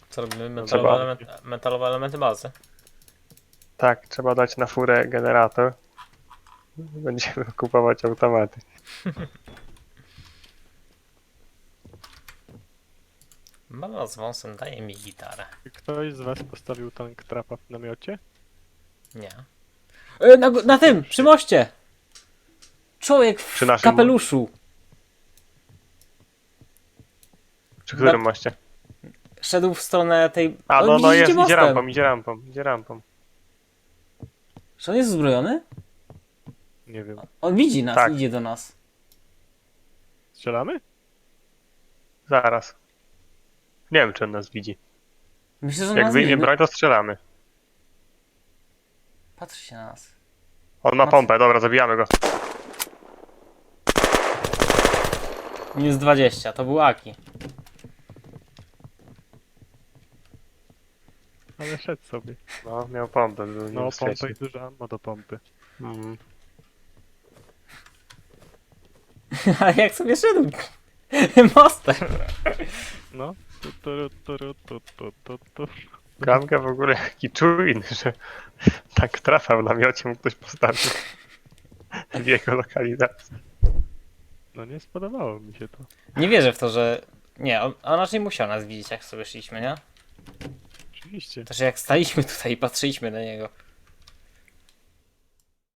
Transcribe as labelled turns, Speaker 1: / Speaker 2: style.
Speaker 1: Co robimy?
Speaker 2: Trzeba.
Speaker 1: Metalowe elementy bazy.
Speaker 2: Tak, trzeba dać na furę generator. Będziemy kupować automaty.
Speaker 1: Mama z wąsem daje mi gitarę.
Speaker 3: Czy ktoś z was postawił tank trapa w namiocie?
Speaker 1: Nie. Na tym! Przy moście! Człowiek w
Speaker 2: Przy naszym
Speaker 1: kapeluszu!
Speaker 2: Przy którym moście?
Speaker 1: Szedł w stronę tej...
Speaker 2: A,
Speaker 1: O,
Speaker 2: no
Speaker 1: widzicie
Speaker 2: jest, idzie
Speaker 1: mostem.
Speaker 2: rampą, idzie rampą, idzie rampą.
Speaker 1: Czy on jest uzbrojony?
Speaker 3: Nie wiem.
Speaker 1: On widzi nas,
Speaker 2: Tak.
Speaker 1: idzie do nas.
Speaker 3: Strzelamy?
Speaker 2: Zaraz. Nie wiem, czy on nas widzi.
Speaker 1: Myślę, że on
Speaker 2: Jak
Speaker 1: nas
Speaker 2: wyjmie
Speaker 1: widzi.
Speaker 2: broń, to strzelamy.
Speaker 1: Patrzy się na nas.
Speaker 2: On ma
Speaker 1: No.
Speaker 2: pompę, dobra, zabijamy go.
Speaker 1: Minus 20, to był Aki.
Speaker 3: Ale szedł sobie.
Speaker 2: No, miał pompę, był
Speaker 3: No,
Speaker 2: niebezpieczny.
Speaker 3: pompę i dużo ammo do pompy.
Speaker 2: Mhm.
Speaker 1: Ale jak sobie szedł mostem.
Speaker 3: No. Tu.
Speaker 2: Gamka w ogóle jaki czujny, że tak trafa w namiocie mu ktoś postawił. W jego lokalizacji.
Speaker 3: No nie spodobało mi się to.
Speaker 1: Nie wierzę w to, że... Nie, on raczej musiał nas widzieć, jak sobie szliśmy, nie?
Speaker 3: Oczywiście.
Speaker 1: To, że jak staliśmy tutaj i patrzyliśmy na niego.